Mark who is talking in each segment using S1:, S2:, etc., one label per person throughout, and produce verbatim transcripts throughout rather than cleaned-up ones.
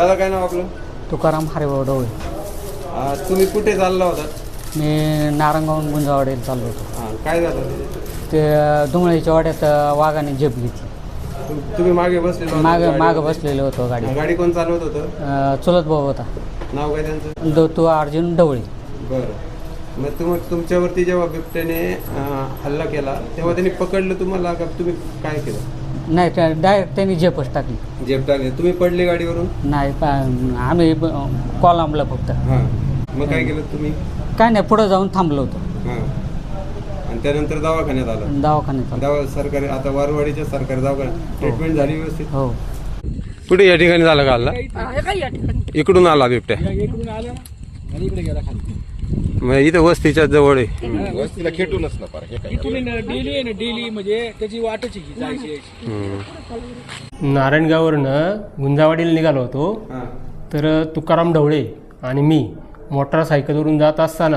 S1: दादा काय नाव आपलं?
S2: तुकाराम हरिभाऊ ढवळे.
S1: तुम्ही कुठे चालला होता?
S2: मी नारंगावून गुंजावाडीला चाललो होतो.
S1: हां, काय झालं
S2: ते धुमळीच्या वाड्यात वाघाने झेप घेतली.
S1: तुम- तुम्ही मागे बसले?
S2: माग माग बसलेलो होतो गाडी.
S1: गाडी कोण चालवत होतं?
S2: अं, चुलत भाऊ होता,
S1: नाव काय त्यांचं?
S2: दत्तू अर्जुन ढवळे.
S1: बरं, मग तुम तुमच्यावरती जेव्हा बिबट्याने अं, हल्ला केला तेव्हा त्यांनी पकडलं तुम्हाला का तुम्ही काय केलं?
S2: नाही, डायरेक्ट त्यांनी झेपच टाकली.
S1: जेब टाकले. तुम्ही पडले गाडीवरून?
S2: नाही, पा- आम्ही कॉलमला फक्त.
S1: हां, मग काय केलं तुम्ही?
S2: काय नाही, पुढं जाऊन थांबलो होतो.
S1: हां, आणि त्यानंतर दवाखान्यात आला?
S2: दवाखान्यात आलो.
S1: दवा सरकारी आता वारवाडीच्या सरकारी दवाखान्यात ट्रीटमेंट झाली व्यवस्थित?
S2: हो.
S1: कुठे या ठिकाणी झालं का हल्ला? इकडून आला बिबट्या?
S3: इकडे गेला खाली.
S1: मग इथं वस्तीच्या जवळ आहे.
S4: वस्तीला खेटूनच ना पार हे काय
S3: इथून डेली आहे ना, डेली म्हणजे त्याची वाटच आहे जायची यायची.
S1: हम्म.
S5: नारायणगाववरनं गुंजावाडीला निघालो होतो.
S1: हां.
S5: तर तुकाराम ढवळे आणि मी मोटारसायकलवरून जात असताना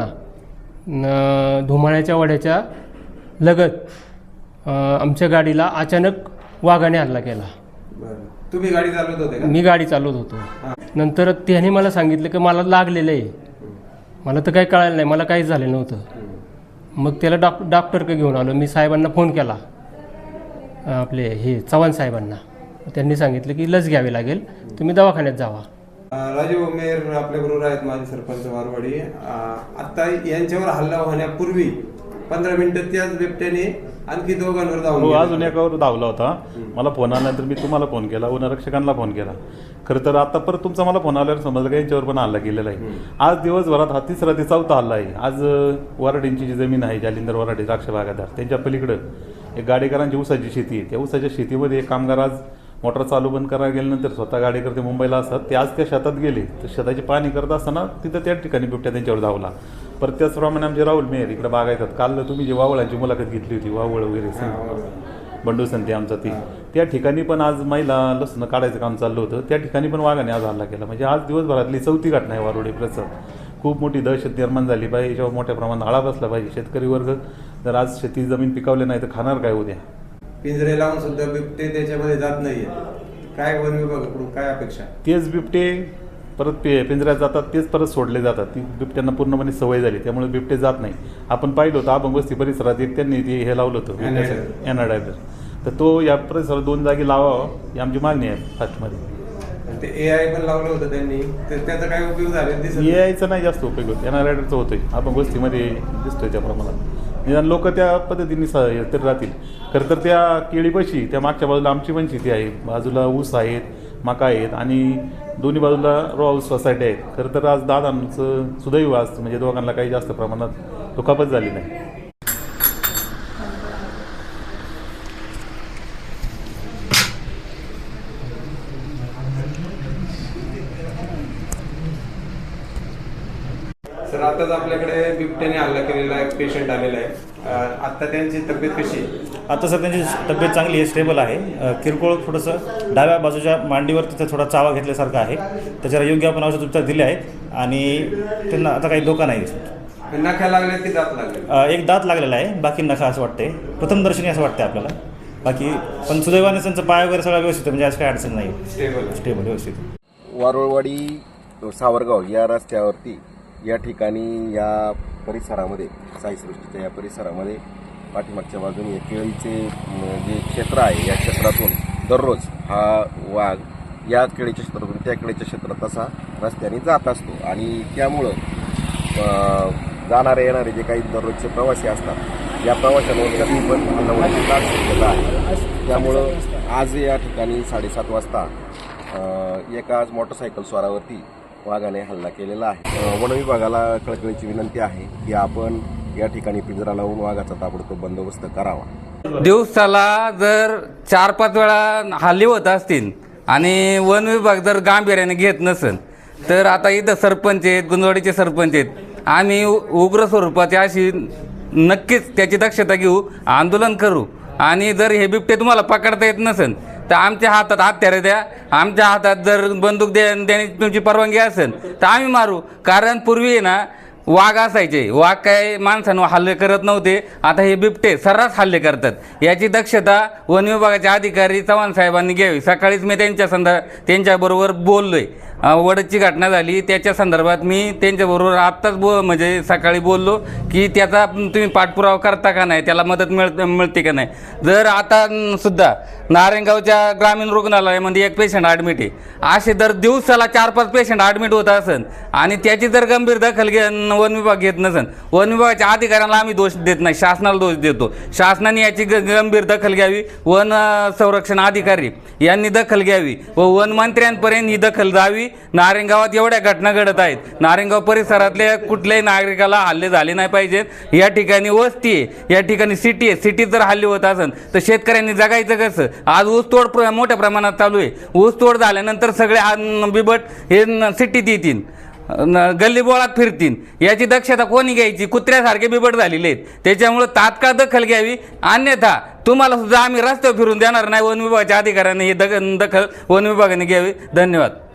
S5: न धुमाळ्याच्या वाड्याच्या लगत अ, आमच्या गाडीला अचानक वाघाने हल्ला केला.
S1: बरं, तुम्ही गाडी चालवत होते का?
S5: मी गाडी चालवत होतो. नंतर त्याने मला सांगितलं की मला लागलेलं आहे. मला तर काही कळालं नाही, मला काहीच झालं नव्हतं. मग त्याला डॉक डॉक्टरकडे घेऊन आलो. मी साहेबांना फोन केला, आपले हे चव्हाण साहेबांना. त्यांनी सांगितलं की लस घ्यावी लागेल, तुम्ही दवाखान्यात जावा.
S1: राजीव मेयर आपल्याबरोबर आहेत, माजी सरपंच वारवाडी. अं, आता यांच्यावर हल्ला होण्यापूर्वी पंधरा मिनिटं त्याच बिबट्याने आणखी दोघांवर धावून
S6: हो,
S1: गेला.
S6: अजून एकावर धावला होता. मला फोन आल्यानंतर मी तुम्हाला फोन केला, वनरक्षकांना फोन केला. खरं तर आता परत तुमचा मला फोन आल्यावर समजलं का यांच्यावर पण हल्ला केलेला आहे. आज दिवसभरात हा तिसरा ते चौथा हल्ला आहे. आज अं, वराडींची जी जमीन आहे, जालिंदर वराडे द्राक्ष बागायतदार, त्यांच्या पलीकडं एक गाडेकरांची ऊसाची शेती आहे. त्या ऊसाच्या शेतीमध्ये एक कामगार आज मोटर चालू बंद करायला गेल्यानंतर स्वतः गाडेकर ते मुंबईला असतात, ते आज त्या शेतात गेले. तर शेताची पाहणी करत असताना तिथं त्या ठिकाणी बिबट्या त्यांच्यावर धावला. परत त्याचप्रमाणे आमचे राहुल मेहर इकडे बागायतात. काल तुम्ही जी वावळांची मुलाखत घेतली होती, वावळ वगैरे बंडू संती आमचा ती, त्या ठिकाणी पण आज महिला लसणं काढायचं काम चाललं होतं. त्या ठिकाणी पण वाघाने आज हल्ला केला. म्हणजे आज दिवसभरातली चौथी घटना आहे वारोडे प्रसव. खूप मोठी दहशत निर्माण झाली पाहिजे, याच्यावर मोठ्या प्रमाणात आळा बसला पाहिजे. शेतकरी वर्ग जर आज शेती जमीन पिकवले नाही तर खाणार काय उद्या?
S1: पिंजरे लावून सुद्धा बिबटे त्याच्यामध्ये जात नाहीये. काय वन विभागाकडून काय अपेक्षा?
S6: तेच बिबटे परत पे पिंजऱ्यात जातात, तेच परत सोडले जातात. ती बिबट्यांना पूर्णपणे सवय झाली, त्यामुळे बिबटे जात नाही. आपण पाहिलं होतं अभंग वस्ती परिसरात एक त्यांनी ते हे लावलं होतं एनाडायझर. तर तो या परिसरात दोन जागी लावावा ही आमची मागणी आहे फास्टमध्ये.
S1: ते ए आय पण लावलं होतं त्यांनी, तर त्याचा काय उपयोग झाला दिसत
S6: ए आयचा नाही जास्त उपयोग होतो, एनाडायझरचा होतोय. अभंग वस्तीमध्ये दिसतोय त्या प्रमाणात. निदान लोक त्या पद्धतीने स तर राहतील. खरं तर त्या केळीपाशी त्या मागच्या बाजूला आमची पण शेती आहे, बाजूला ऊस आहेत, मका आहेत आणि दोन्ही बाजूला रॉ हाऊस सोसायटी आहेत. खरं तर आज दादांचं सुदैव आज म्हणजे दोघांना काही जास्त प्रमाणात दुखापत झाली नाही.
S1: सर, आताच आपल्याकडे बिबट्याने हल्ला केलेला एक पेशंट आलेला आहे. अं, आता त्यांची तब्येत कशी आहे?
S7: आता सर त्यांची तब्येत चांगली आहे, स्टेबल आहे. अ, किरकोळ थोडंसं डाव्या बाजूच्या मांडीवर तिथं थोडा चावा घेतल्यासारखा आहे. त्याच्यावर योग्य आपण औषध उपचार दिले आहेत आणि त्यांना आता काही धोका नाही.
S1: नख्या लागल्या की दात लागले?
S7: अ, एक दात लागलेला आहे, बाकी नखा असं वाटते, प्रथमदर्शनी असं वाटते आपल्याला. बाकी पण सुदैवाने त्यांचं पाय वगैरे सगळं व्यवस्थित आहे, म्हणजे आज काही अडचण नाही.
S1: स्टेबल
S7: स्टेबल व्यवस्थित.
S4: वारुळवाडी सावरगाव या रस्त्यावरती या ठिकाणी या परिसरामध्ये साईसृष्टीच्या या परिसरामध्ये पाठीमागच्या बाजूने या केळीचे जे क्षेत्र आहे, या क्षेत्रातून दररोज हा वाघ या केळीच्या क्षेत्रातून त्या केळीच्या क्षेत्रात असा रस्त्याने जात असतो. आणि त्यामुळं जाणारे येणारे जे काही दररोजचे प्रवासी असतात, या प्रवाशांवर कधी पण हल्ला होण्याची दाट शक्यता आहे. त्यामुळं आज या ठिकाणी साडेसात वाजता एका आज मोटरसायकल स्वारावरती वाघाने हल्ला केलेला आहे. वन विभागाला कळकळीची विनंती आहे की आपण या ठिकाणी पिंजरा लावून वाघाचा ताबडतोब बंदोबस्त करावा.
S8: दिवसाला जर चार पाच वेळा हल्ले होत असतील आणि वन विभाग जर गांभीर्याने घेत नसेल तर आता इथं सरपंच आहेत, गुंजवाडीचे सरपंच आहेत, आम्ही उग्र स्वरूपाची अशी नक्कीच त्याची दक्षता घेऊ, आंदोलन करू. आणि जर हे बिबटे तुम्हाला पकडता येत नसेल तर आमच्या हातात हत्यारे द्या, आमच्या हातात जर बंदूक द्या देण्याची तुमची परवानगी असेल तर आम्ही मारू. कारण पूर्वी ना वाघ असायचे, वाघ काय माणसांवर हल्ले करत नव्हते, आता हे बिबटे सर्रास हल्ले करतात. याची दक्षता वन विभागाचे अधिकारी चव्हाण साहेबांनी घ्यावी. सकाळीच मी त्यांच्या संदर्भात त्यांच्याबरोबर बोललोय अ, वडदची घटना झाली त्याच्या संदर्भात मी त्यांच्याबरोबर आत्ताच बो म्हणजे सकाळी बोललो की त्याचा तुम्ही पाठपुरावा करता का नाही, त्याला मदत मिळ मिळते का नाही. जर आता न, सुद्धा नारायणगावच्या ग्रामीण रुग्णालयामध्ये एक पेशंट ॲडमिट आहे, असे दर दिवसाला चार पाच पेशंट ॲडमिट होत असन आणि त्याची जर गंभीर दखल घे वन विभाग घेत नसन, वन विभागाच्या अधिकाऱ्यांना आम्ही दोष देत नाही, शासनाला दोष देतो. शासनाने याची ग गंभीर दखल घ्यावी, वन अ, संरक्षण अधिकारी यांनी दखल घ्यावी व वन मंत्र्यांपर्यंत ही दखल जावी. नारायणगावात एवढ्या घटना घडत आहेत, नारायणगाव परिसरातल्या कुठल्याही नागरिकाला हल्ले झाले नाही पाहिजेत. या ठिकाणी वस्ती आहे, या ठिकाणी सिटी आहे, सिटीत जर हल्ले होत असेल तर शेतकऱ्यांनी जगायचं कसं. आज ऊसतोड प्र मोठ्या प्रमाणात चालू आहे, ऊसतोड झाल्यानंतर सगळे आ- बिबट हे न- सिटीत येतील, न- गल्लीबोळात फिरतील. याची दक्षता कोणी घ्यायची? कुत्र्यासारखे बिबट झालेले आहेत. त्याच्यामुळे तात्काळ दखल घ्यावी, अन्यथा तुम्हाला सुद्धा आम्ही रस्त्यावर फिरून देणार नाही. वन विभागाच्या अधिकाऱ्यांनी ही दख दखल वन विभागाने घ्यावी. धन्यवाद.